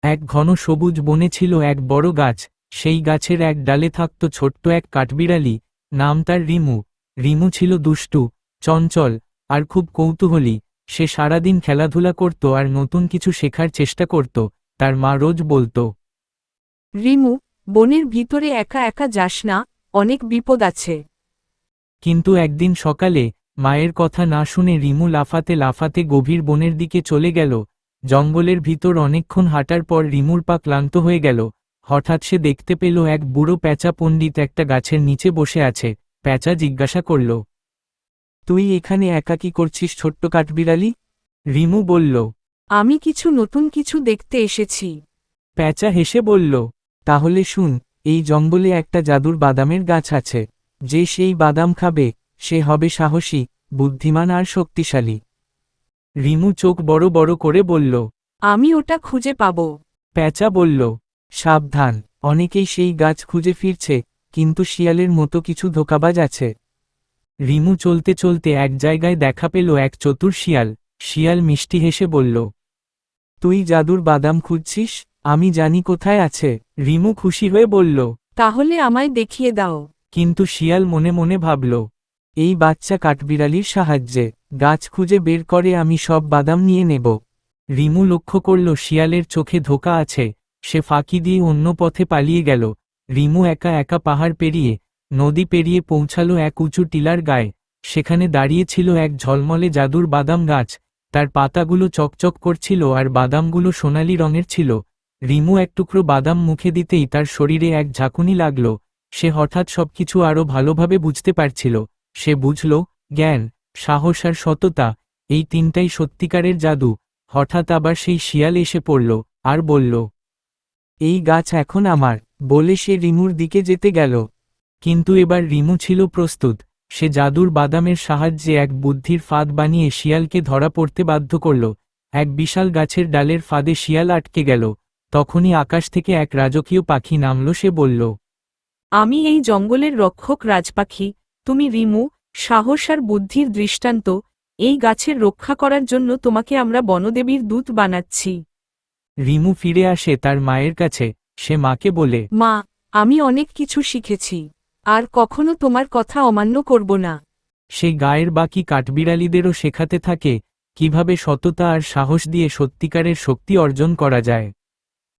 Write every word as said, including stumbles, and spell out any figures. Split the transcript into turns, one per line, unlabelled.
এক ঘন সবুজ বনে ছিল এক বড় গাছ। সেই গাছের এক ডালে থাকত ছোট্ট এক কাঠবিড়ালি, নাম তার রিমু। রিমু ছিল দুষ্টু, চঞ্চল আর খুব কৌতূহলী। সে সারাদিন খেলাধুলা করত আর নতুন কিছু শেখার চেষ্টা করত। তার মা রোজ বলতো,
রিমু, বনের ভিতরে একা একা যাস না, অনেক বিপদ আছে।
কিন্তু একদিন সকালে মায়ের কথা না শুনে রিমু লাফাতে লাফাতে গভীর বনের দিকে চলে গেল। জঙ্গলের ভিতর অনেকক্ষণ হাঁটার পর রিমুর পা ক্লান্ত হয়ে গেল। হঠাৎ সে দেখতে পেল এক বুড়ো প্যাঁচা পণ্ডিত একটা গাছের নিচে বসে আছে। প্যাঁচা জিজ্ঞাসা করল,
তুই এখানে একা কি করছিস ছোট্ট কাঠবিড়ালি?
রিমু বলল,
আমি কিছু নতুন কিছু দেখতে এসেছি।
প্যাঁচা হেসে বলল,
তাহলে শুন, এই জঙ্গলে একটা জাদুর বাদামের গাছ আছে। যে সেই বাদাম খাবে সে হবে সাহসী, বুদ্ধিমান আর শক্তিশালী।
রিমু চোখ বড় বড় করে বলল।
আমি ওটা খুঁজে পাব।
প্যাঁচা বলল,
সাবধান, অনেকেই সেই গাছ খুঁজে ফিরছে, কিন্তু শিয়ালের মতো কিছু ধোঁকাবাজ আছে।
রিমু চলতে চলতে এক জায়গায় দেখা পেল এক চতুর শিয়াল। শিয়াল মিষ্টি হেসে বলল,
তুই জাদুর বাদাম খুঁজছিস? আমি জানি কোথায় আছে।
রিমু খুশি হয়ে বলল।
তাহলে আমায় দেখিয়ে দাও।
কিন্তু শিয়াল মনে মনে ভাবল,
এই বাচ্চা কাঠবিড়ালির সাহায্যে গাছ খুঁজে বের করে আমি সব বাদাম নিয়ে নেব।
রিমু লক্ষ্য করল শিয়ালের চোখে ধোঁকা আছে। সে ফাঁকি দিয়ে অন্য পথে পালিয়ে গেল। রিমু একা একা পাহাড় পেরিয়ে নদী পেরিয়ে পৌঁছালো এক উঁচু টিলার গায়ে। সেখানে দাঁড়িয়ে ছিল এক ঝলমলে জাদুর বাদাম গাছ। তার পাতাগুলো চকচক করছিল আর বাদামগুলো সোনালি রঙের ছিল। রিমু এক টুকরো বাদাম মুখে দিতেই তার শরীরে এক ঝাঁকুনি লাগল। সে হঠাৎ সবকিছু আরও ভালোভাবে বুঝতে পারছিল। সে বুঝল, জ্ঞান, সাহস আর সততা, এই তিনটাই সত্যিকারের জাদু। হঠাৎ আবার সেই শিয়াল এসে পড়ল আর বলল,
এই গাছ এখন আমার, বলে সে রিমুর দিকে যেতে গেল।
কিন্তু এবার রিমু ছিল প্রস্তুত। সে জাদুর বাদামের সাহায্যে এক বুদ্ধির ফাঁদ বানিয়ে শিয়ালকে ধরা পড়তে বাধ্য করল। এক বিশাল গাছের ডালের ফাঁদে শিয়াল আটকে গেল। তখনই আকাশ থেকে এক রাজকীয় পাখি নামল। সে বলল,
আমি এই জঙ্গলের রক্ষক রাজপাখি। তুমি রিমু, সাহস আর বুদ্ধির দৃষ্টান্ত। এই গাছের রক্ষা করার জন্য তোমাকে আমরা বনদেবীর দূত বানাচ্ছি।
রিমু ফিরে আসে তার মায়ের কাছে। সে মাকে বলে,
মা, আমি অনেক কিছু শিখেছি, আর কখনো তোমার কথা অমান্য করব না।
সে গায়ের বাকি কাঠবিড়ালিদেরও শেখাতে থাকে কিভাবে সততা আর সাহস দিয়ে সত্যিকারের শক্তি অর্জন করা যায়।